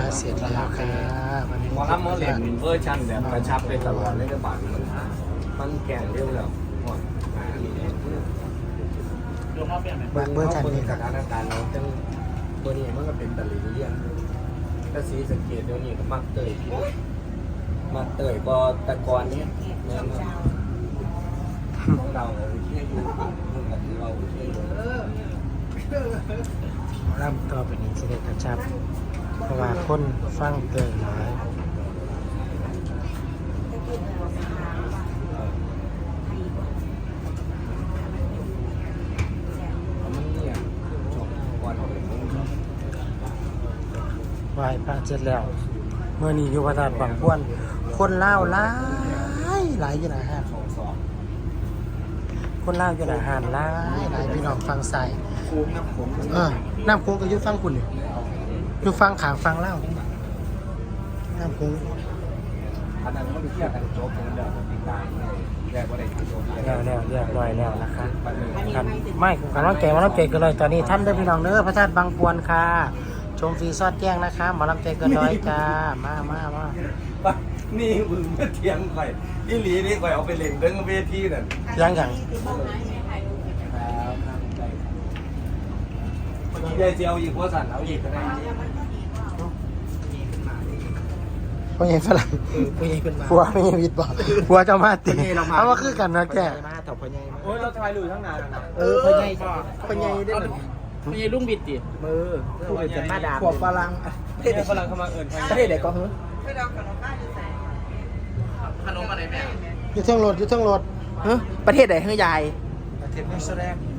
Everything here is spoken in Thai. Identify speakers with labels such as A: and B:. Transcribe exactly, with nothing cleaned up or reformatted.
A: เสร็จแล้วครับวันนี้
B: หมอลำหมอเล่นเวอร์ชันแบบกระชับไปตลอดเลยกระบาดมันมันแก่งเร็วแล้วหมด
A: เบิร์เบอร์ชันนี้
B: ส
A: ครับ
B: ถานการณ์เราจังตัวนี้มันก็เป็นตะลิงเลี่ยงกระสีสังเกตเดี๋ยวนี้ก็มักเตยมักเตยก็ตะกอนนี้เนื้อเราเชื่ออยู่มึงกับเราเชื่ออยู่
A: ร่ำต่อไปนี้สิได้กระชับเพราะว่าคนฟังเกินหลาย
B: มันเนี่ยชมวันของมึง
A: ไหว้พระเสร็จแล้วเมื่อนี้อยู่พระธาตุบางพวนคนเล่าวหลายหลายอยู่หนาห้าน
B: สองสอง
A: คนเล่าวอยู่หนาห้านหลายหลายพี่น้องฟังใส่
B: คูมน้ำผม
A: เออน้ำโค้งก็อยุ่ฟังคุณนี่อยู่ฟังขางฟังเล่าวน้ำโค้ง
B: อันนั้นมันเทียบกันโจ๊กกันเดิมติดตามแยกว่าได้โจ๊ก
A: แล้วแล้วเรียบร้อยแล้วนะคะกันไม่กันว่าแก่มาแล้วแก่กันเลยตอนนี้ท่านได้อพี่น้องเด้อพระธาตุบางพวนค่ะชมฟรีซอดแจ้งนะคะหมอลำใจเกินร้อยจ้ามามามา
B: นี่มึงเทียงข่อยที่หลีนี่ข่อยเอาไปเล่นเรื่องเวทีนั่น
A: ยังยัง
B: ยายเจียวอีกหัวสั่นเอาอีกก็ได้
A: พ่อใหญ่ฝรั่งผัวไม่ใช่วิทย์บอกผัวเจ้ามาตีเอาว่าคือกันนะแก
B: โอ้ยเราทายลุยทั้งนานนะ
A: เออพ่อใหญ่พ่อใหญ่ได้หนึ่ง
C: ไม่ใช่ลุงบิดติมือพูดเป็นมาดาม
A: ขวบฝรั่ง
B: เฮ้ยฝรั่งเข้ามาเอิญใคร
A: ประเทศไหนก็เฮ้ย
C: ขนมอะไรแม่
A: อยู่เทิงรถอยู่เทิงรถ
C: ประเทศไหนเฮ้ยยาย
A: ประเทศนิวซีแลนด์